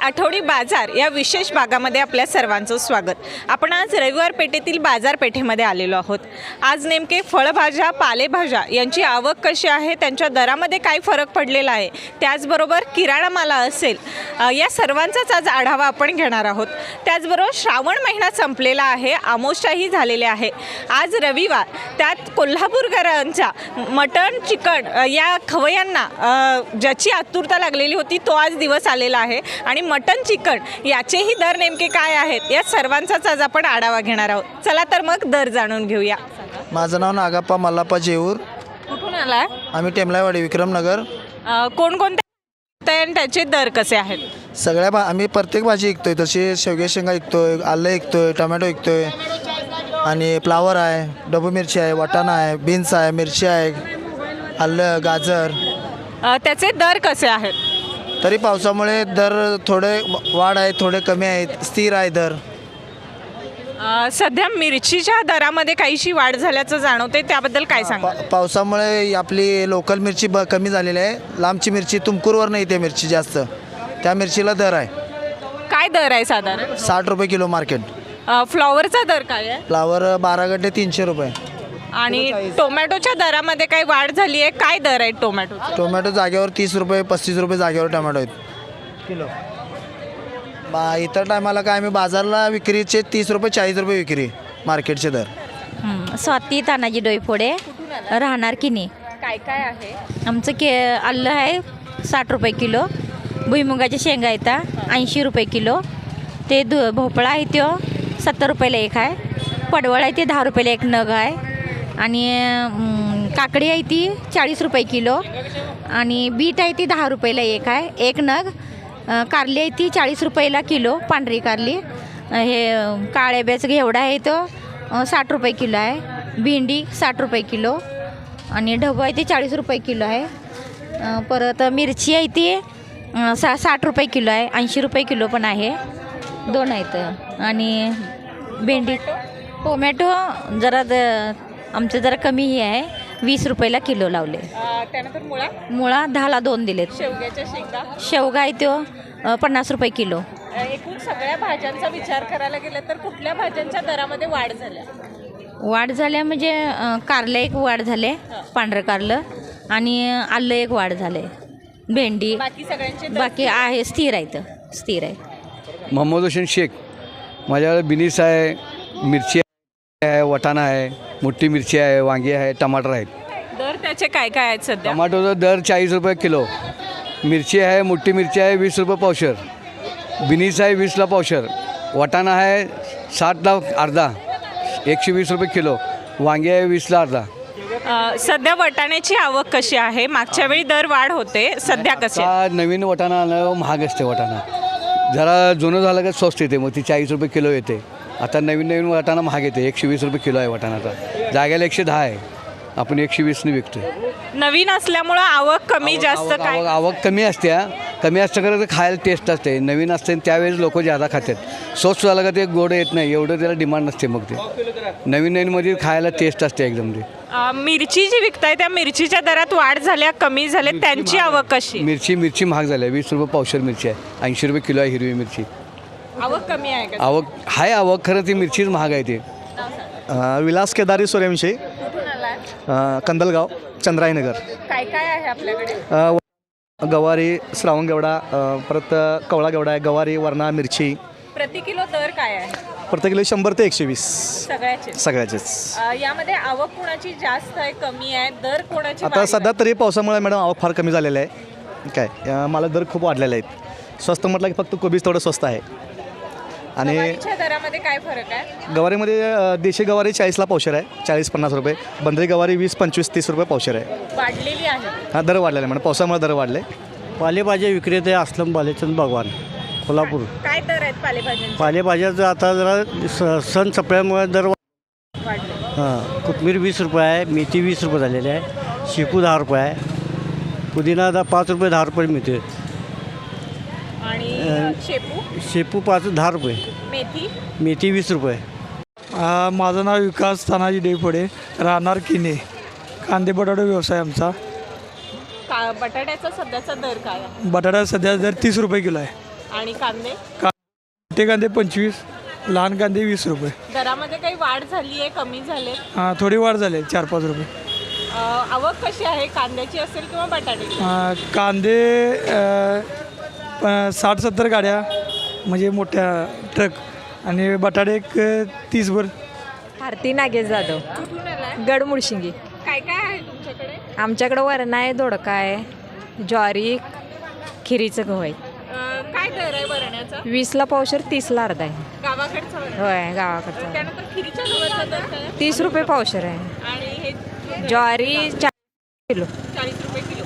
आठवडी बाजार या विशेष भागामध्ये आपल्या सर्वांचं स्वागत. आपण आज रविवार पेठेतील बाजारपेठेमध्ये आलेलो आहोत. आज नेमके फळभाज्या पालेभाज्या यांची आवक कशी आहे, त्यांच्या दरामध्ये काय फरक पडलेला आहे, त्याचबरोबर किराणा माल असेल, या सर्वांचाच आज आढावा आपण घेणार आहोत. त्याचबरोबर श्रावण महिना संपलेला आहे, आमोशाही झालेले आहे. आज रविवार, त्यात कोल्हापूरकरांच्या मटण चिकन या खवयांना ज्याची आतुरता लागलेली होती तो आज दिवस आलेला आहे आणि मटन चिकन याचेही दर नेमके काय आहेत या सर्वांचाच आज आपण आढावा घेणार आहोत. चला तर मग दर जाणून घेऊया. माझं नाव नागाप्पा मल्लाप्पा जेऊर. कुठून आलाय? आम्ही टेमलाईवाडी विक्रमनगर. कोणकोणते आणि त्याचे दर कसे आहेत? आम्ही प्रत्येक भाजी विकतोय. तशी शेवगे शेंगा विकतोय, आलं विकतोय, टोमॅटो विकतोय आणि फ्लावर आहे, डबू मिरची आहे, वाटाणा आहे, बीन्स आहे, मिरची आहे, आलं, गाजर. त्याचे दर कसे आहेत? तरी पावसामुळे दर थोडे वाढ आहे, थोडे कमी आहेत, स्थिर आहे दर. सध्या मिरचीच्या दरामध्ये काहीशी वाढ झाल्याचं जाणवते, त्याबद्दल काय सांगा? पावसामुळे आपली लोकल मिरची कमी झालेली आहे. लांबची मिरची तुमकूरवर नाही येते मिरची जास्त, त्या मिरचीला दर आहे. काय दर आहे साधारण? 60 रुपये किलो मार्केट. फ्लॉवरचा दर काय आहे? फ्लावर 12 गड्डे 300 रुपये. आणि टोमॅटोच्या दरामध्ये काही वाढ झाली आहे? काय दर आहे टोमॅटो? टोमॅटो जागेवर 30 रुपये 35 रुपये जागेवर टोमॅटो आहेत किलो. इतर टायमाला काय आम्ही बाजारला विक्रीचे 30 रुपये 40 रुपये विक्री मार्केटचे दर. स्वाती तानाजी डोईफोडे, राहणार किनी. काय काय आहे? आमचं आलं आहे 60 रुपये किलो. भुईमुगाच्या शेंगा येतात 80 रुपये किलो. ते भोपळा आहे तो 70 रुपयाला एक आहे. पडवळ आहे ते 10 रुपयाला एक नग आहे. आणि काकडी आहे ती 40 रुपये किलो. आणि बीट आहे ती 10 रुपयाला एक आहे, एक नग. कारली आहे ती 40 रुपयाला किलो, पांढरी कारली. हे काळ्याब्याचं घेवडा आहे तो 60 रुपये किलो आहे. भेंडी 60 रुपये किलो. आणि ढबू आहे ते 40 रुपये किलो आहे. परत मिरची आहे ती 60 रुपये किलो आहे, 80 रुपये किलो पण आहे, दोन आहेत. आणि भेंडी टोमॅटो जरा आमचं जरा कमी हे आहे, 20 रुपयाला किलो लावले. त्यानंतर मुळा 10ला 2 दिलेत. शेवग्याच्या शेंगा शेवगा आहे तो 50 रुपये किलो. एकूण सगळ्या भाज्यांचा विचार करायला गेलं तर कुठल्या भाज्यांच्या दरामध्ये वाढ झाल्या म्हणजे कारलं एक वाढ झाले, पांढरं कारलं. आणि आलं एक वाढ झाले. भेंडी बाकी आहे स्थिर आहे. मोहम्मद हुसेन शेख. माझ्याकडे बिनीस आहे, मिरची आहे, वाटाणा आहे, मोठी मिरची आहे, वांगी आहे, टमाटर आहेत. दर त्याचे काय काय आहेत सध्या? टमाटोचा दर 40 रुपये किलो. मिरची आहे, मोठी मिरची आहे 20 रुपये पावशर. बिनीस आहे 20ला पावशर. वाटाणा आहे 60ला अर्धा, 120 रुपये किलो. वांगी आहे 20ला अर्धा. सध्या वाटाण्याची आवक कशी आहे? मागच्या वेळी दर वाढ होते, सध्या कसे? नवीन वाटाणा आणलं महाग असते. वाटाणा जरा जुनं झालं का स्वस्त येते, मग ती 40 रुपये किलो येते. आता नवीन वाटाणा महाग येते, 120 रुपये किलो आहे वाटाणाचा. जाग्याला 110 आहे, आपण 120ने विकतो. नवीन असल्यामुळं आवक कमी जास्त काय? आवक कमी असते खरं तर खायला टेस्ट असते. नवीन असते त्यावेळेस लोक जादा खातात. स्वस्त झालं का ते गोड येत नाही, एवढं त्याला डिमांड नसते. मग ते नवीनमध्ये खायला टेस्ट असते एकदम. ते मिरची जी विकताय त्या मिरचीच्या दरात वाढ झाल्या, कमी झाल्या, त्यांची आवक कशी? मिरची महाग झाली. 20 रुपये पावशर मिरची आहे, 80 रुपये किलो आहे हिरवी मिरची. आवक कमी आहे का? आवक खरं ती मिरचीच महाग आहे. ते विलास केदारी सूर्यवंशी, कंदलगाव, चंद्राईनगर. काय काय आहे आपल्याकडे? गवारी, श्रावण घेवडा, परत कवळा घेवडा आहे, गवारी, वरणा, मिरची. प्रति किलो दर काय आहे? प्रत्येक किलो 100 ते 120 सगळ्याचेच. यामध्ये आवक कोणाची जास्त आहे, कमी आहे? दर कोणाची? आता सध्या तरी पावसामुळे मॅडम आवक फार कमी झालेलं आहे. काय मला दर खूप वाढलेले आहेत. स्वस्त म्हटलं की फक्त कोबीज थोडं स्वस्त आहे. आणि दरामध्ये काय फरक आहे? गवारीमध्ये देशी गवारी 40ला पावशर आहे, 40-50 रुपये. बंदरी गवारी 20-25-30 रुपये पावशर आहे. वाढलेली आहे. हां, दर वाढलेला आहे मॅडम, पावसामुळे दर वाढले. पालेभाज्या विक्रेते असलम बालेचंद भगवान, कोल्हापूर. काय दर आहेत पालेभाज्यांचे? पालेभाज्याचं आता जरा सण संपल्यामुळे दर वाढले. कोथिंबीर 20 रुपये आहे, मेथी 20 रुपये झालेली आहे, शेपू 10 रुपये आहे, पुदिना आता 5 रुपये 10 रुपये मिळते. आणि शेपू 10 रुपये. मेथी 20 रुपये. माझं नाव विकास तानाजी डोईफोडे, राहणार किनी. कांदे बटाटे व्यवसाय आमचा. बटाट्याचा सध्याचा दर काय आहे? बटाटा सध्या दर 30 रुपये किलो आहे. आणि कांदे मोठे कांदे 25, लहान कांदे 20 रुपये. दरामध्ये काही वाढ झाली आहे, कमी झाले? हां, थोडी वाढ झाली 4-5 रुपये. आवक कशी आहे कांद्याची असेल किंवा बटाट्याची? कांदे 60-70 गाड्या म्हणजे मोठ्या ट्रक, आणि बटाटे एक 30 भर. आरती नागेश जाधव, कुठून आलाय? गडमुळशिंगी. काय काय आहे तुमच्याकडे? आमच्याकडं वरणा आहे, दोडका आहे, ज्वारी, खिरीचं गहू आहे. काय दर आहे वरण्याचा? 20ला पावशेर, 30ला अर्धा आहे. गावाकडचं वरण. होय, गावाकडचं. त्यानंतर खिरीच्या गव्हाचा दर काय आहे? 30 रुपये पावशेर आहे. आणि हे ज्वारी 40 किलो. 40 रुपये किलो.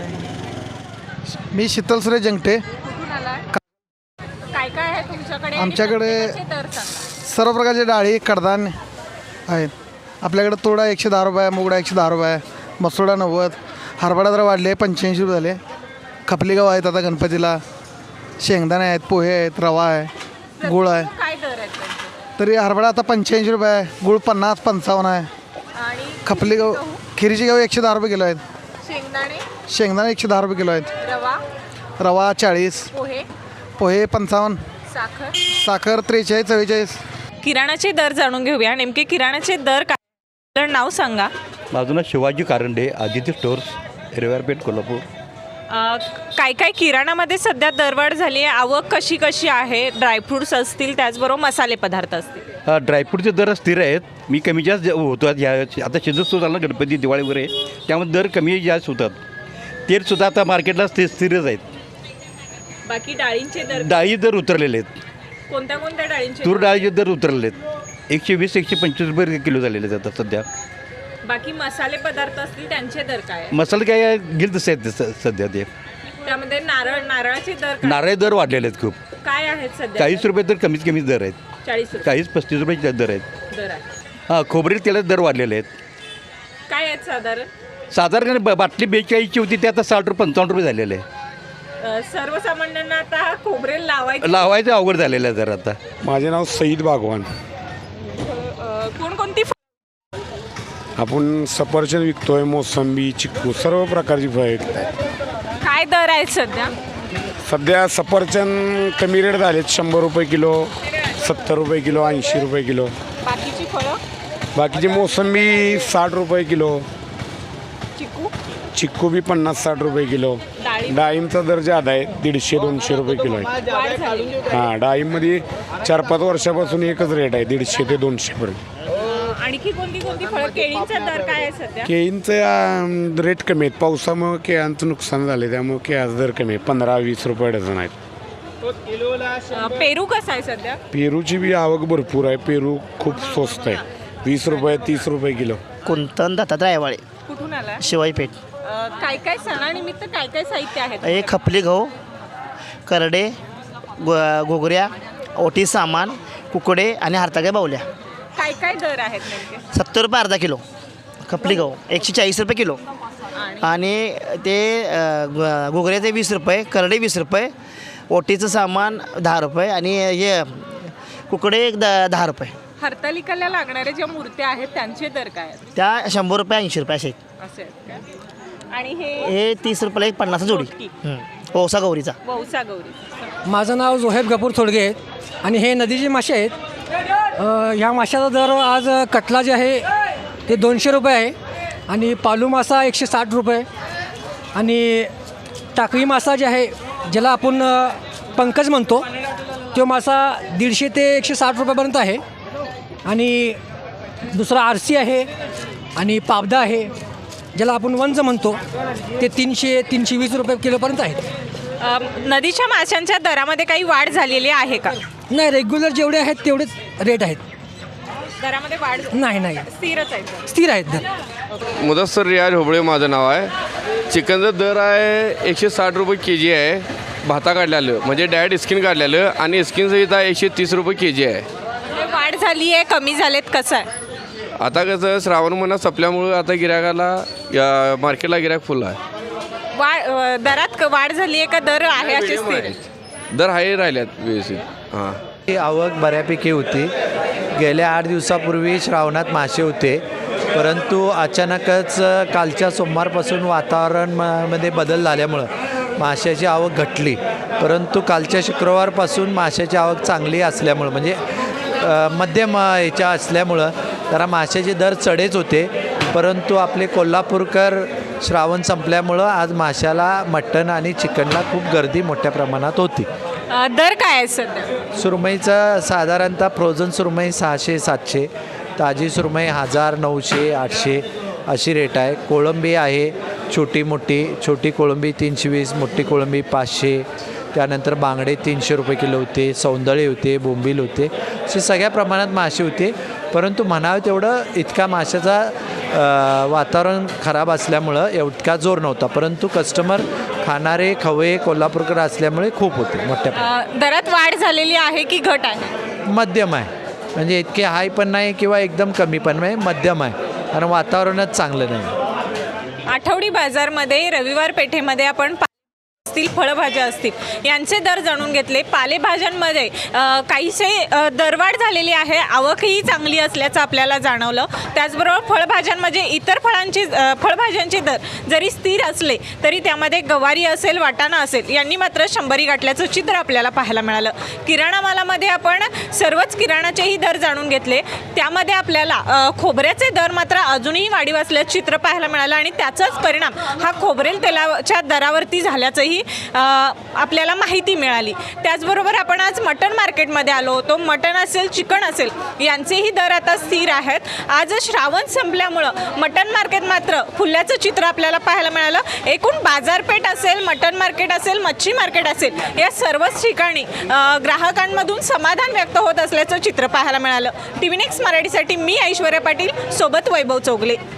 मी शीतल सुरेश जंगटे. कुठून आलाय? काय काय आहे तुमच्याकडे? आणि आमच्याकडे प्रत्येकाचे दर सांगा. सर्व प्रकारचे डाळी कडधान्य आहेत. आपल्याकडे तोडा 110 रुपये, मुगडा 110 रुपये, मसुडा 90, हरभरा जरा वाढले 85 रुपये झाले. खपली गहू आहेत आता गणपतीला, शेंगदाणे आहेत, पोहे आहेत, रवा आहे, गुळ आहे. काय दर आहेत त्यांचे? तरी हरभरा आता 85 रुपये आहे, गुळ 50-55 आहे. आणि खपली गहू, खिरीची गहू 110 रुपये किलो आहेत. शेंगदाणे, शेंगदाणे 110 रुपये किलो आहेत. रवा, रवा 40, पोहे, पोहे 55, साखर. साखर 43-44. किराणाचे दर जाणून घेऊया. नेमके किराणाचे दर काय? नाव सांगा. माझं नाव शिवाजी कारंडे, आदित्य स्टोर्स, रविवारपेठ, कोल्हापूर. काय काय किराणामध्ये सध्या दरवाढ झाली आहे? आवक कशी कशी आहे? ड्रायफ्रुट्स असतील, त्याचबरोबर मसाले पदार्थ असतील. ड्रायफ्रूटचे दर स्थिर आहेत. मी कमी जास्त होतो ह्या आता सीझन सुरू झाला ना, गणपती दिवाळी वगैरे, त्यामुळे दर कमी जास्त होतात. तेलसुद्धा आता मार्केटला स्थिरच आहेत. बाकी डाळींचे दर, डाळी दर उतरलेले आहेत. कोणत्या कोणत्या डाळींचे? तूर डाळीचे दर उतरलेले आहेत. 120-125 रुपये किलो झालेले आहेत आता सध्या. बाकी मसाले पदार्थ असतील त्यांचे दर काय आहे? मसाले काय घेईल तसे आहेत सध्या ते. त्यामध्ये नारळाचे दर काय? नारळ दर वाढलेले आहेत खूप. काय आहेत सध्या? 40 रुपये तर कमीत कमी दर आहेत. 40 रुपये 40-35 रुपये दर आहेत. दर आहे. हां, खोबरेल तेलाचे दर वाढलेले आहेत. काय आहेत साधारण? साधारण बाटली 42ची होती, ते आता 60-55 रुपये झालेले आहे. सर्वसामान्यांना आता खोबरेल लावायचं लावायचं अवघड झालेलं आहे जरा आता. माझे नाव सईद बागवान. कोणकोणती आपण सफरचंद विकतोय, मोसंबी, चिक्कू, सर्व प्रकारची फळं आहेत. काय दर आहेत सध्या? सध्या सफरचंद कमी रेट झालेत, 100 रुपये किलो, 70 रुपये किलो, 80 रुपये किलो. बाकीची फळं? बाकीची मोसंबी 60 रुपये किलो, चिकू, चिक्कू बी 50-60 रुपये किलो. डाळिंब? डाळिंबचा दर जादा आहे, 150-200 रुपये किलो आहे. वाढ झाली. हां, डाळिंबमध्ये 4-5 वर्षापासून एकच रेट आहे, 150 ते 200 पर्यंत. आणखी कोणती कोणती फळं? केळींचा दर काय आहे सध्या? केळींचे रेट कमी आहेत. पावसामुळे केळांचं नुकसान झालं, त्यामुळे केळाचा दर कमी आहे, 15-20 रुपये डझन आहेत. पेरू कसा आहे सध्या? पेरूची बी आवक भरपूर आहे. पेरू खूप स्वस्त आहे, 20 रुपये 30 रुपये किलो. कुंतन दत्तात्रय रायवाळे, कुठून आला? शिवाईपेठ. काय काय सणानिमित्त काय काय साहित्य आहे? एक खपली गहू, करडे, घोगऱ्या, ओटी सामान, कुकडे आणि हारताग्या बावल्या. काय काय दर आहेत नेमके? 70 रुपये अर्धा किलो खपली गहू, 140 रुपये किलो. आणि ते घोगऱ्याचे 20 रुपये, करडे 20 रुपये, ओटीचं सामान 10 रुपये आणि हे कुकडे एक 10 रुपये. हरतालिकाला लागणाऱ्या ज्या मूर्त्या आहेत त्यांचे दर काय आहेत? त्या 100 रुपये 80 रुपये असे आहेत. असे आहेत का? आणि हे 30 रुपयाला एक 50 जोडी. ओसा गौरीचा. वौसा गौरी. माझं नाव जोहेब गपूर थोडगे आहे आणि हे नदीचे मासे आहेत. ह्या माशाचा दर आज कटला जे आहे ते 200 रुपये आहे आणि पालू मासा 160 रुपये आणि टाकळी मासा जे आहे ज्याला आपण पंकज म्हणतो तो मासा 150 ते 160 रुपयापर्यंत आहे. आणि दुसरा आरसी आहे आणि पावदा आहे ज्याला आपण वंज म्हणतो ते 300-320 रुपये किलोपर्यंत आहेत. नदीच्या माशांच्या दरामध्ये काही वाढ झालेली आहे का? नाही, रेग्युलर जेवढे आहेत तेवढेच रेट आहेत. दरामध्ये वाढ नाही स्थिरच आहे. स्थिर आहेत दर. मुदस्सर रियाज होबळे माझं नाव आहे. चिकनचा दर आहे 160 रुपये के जी आहे, भाता काढलेलं म्हणजे डायरेक्ट स्किन काढलेलं आणि स्किनसहित आहे 130 रुपये के जी आहे. वाढ झाली आहे, कमी झालेत, कसं आहे? आता कसं श्रावण महिना संपल्यामुळं आता गिरायकाला या मार्केटला गिरायक फुल आहे. दरात वाढ झाली आहे का दर आहे अशी स्थिर? दर आहे राहिल्यात व्यवस्थित. हां, ही आवक बऱ्यापैकी होती. गेल्या 8 दिवसापूर्वी श्रावणात मासे होते, परंतु अचानकच कालच्या सोमवारपासून वातावरणामध्ये बदल झाल्यामुळं माशाची आवक घटली. परंतु कालच्या शुक्रवारपासून माशाची आवक चांगली असल्यामुळं म्हणजे मध्यम ह्याच्या असल्यामुळं जरा माशाचे दर चढेच होते. परंतु आपले कोल्हापूरकर श्रावण संपल्यामुळं आज माशाला मटण आणि चिकनला खूप गर्दी मोठ्या प्रमाणात होती. दर काय आहे सध्या? सुरमईचं साधारणतः फ्रोझन सुरमई 600-700, ताजी सुरमई 1000, 900, 800 अशी रेट आहे. कोळंबी आहे छोटी कोळंबी 320, मोठी कोळंबी 500. त्यानंतर बांगडे 300 रुपये किलो होते, सौंदळे होते, बोंबील होते, असे सगळ्या प्रमाणात मासे होते. परंतु म्हणावं तेवढं इतका माशाचा वातावरण खराब असल्यामुळं इतका जोर नव्हता. परंतु कस्टमर खाणारे खवय्ये कोल्हापूरकर असल्यामुळे खूप होते मोठ्या प्रमाणात. दरात वाढ झालेली आहे की घट आहे? मध्यम आहे, म्हणजे इतके हाय पण नाही किंवा एकदम कमी पण नाही, मध्यम आहे. कारण वातावरणच चांगलं नाही. आठवडी बाजारमध्ये रविवार पेठेमध्ये आपण असतील फळभाज्या असतील यांचे दर जाणून घेतले. पालेभाज्यांमध्ये काहीसे दरवाढ झालेली आहे, आवकही चांगली असल्याचं आपल्याला जाणवलं. त्याचबरोबर फळभाज्यांमध्ये इतर फळभाज्यांचे दर जरी स्थिर असले तरी त्यामध्ये गवारी असेल, वाटाणा असेल यांनी मात्र 100 गाठल्याचं चित्र आपल्याला पाहायला मिळालं. किराणा मालामध्ये आपण सर्वच किराणाचेही दर जाणून घेतले. त्यामध्ये आपल्याला खोबऱ्याचे दर मात्र अजूनही वाढीव असल्याचं चित्र पाहायला मिळालं आणि त्याचाच परिणाम हा खोबरेल तेलाच्या दरावरती झाल्याचंही आपल्याला माहिती मिळाली. त्याचबरोबर आपण आज मटण मार्केटमध्ये आलो होतो. मटण असेल, चिकन असेल यांचेही दर आता स्थिर आहेत. आज श्रावण संपल्यामुळं मटण मार्केट मात्र फुलल्याचं चित्र आपल्याला पाहायला मिळालं. एकूण बाजारपेठ असेल, मटण मार्केट असेल, मच्छी मार्केट असेल या सर्वच ठिकाणी ग्राहकांमधून समाधान व्यक्त होत असल्याचं चित्र पाहायला मिळालं. TV नेक्स्ट मराठीसाठी मी ऐश्वर्या पाटील सोबत वैभव चौगले.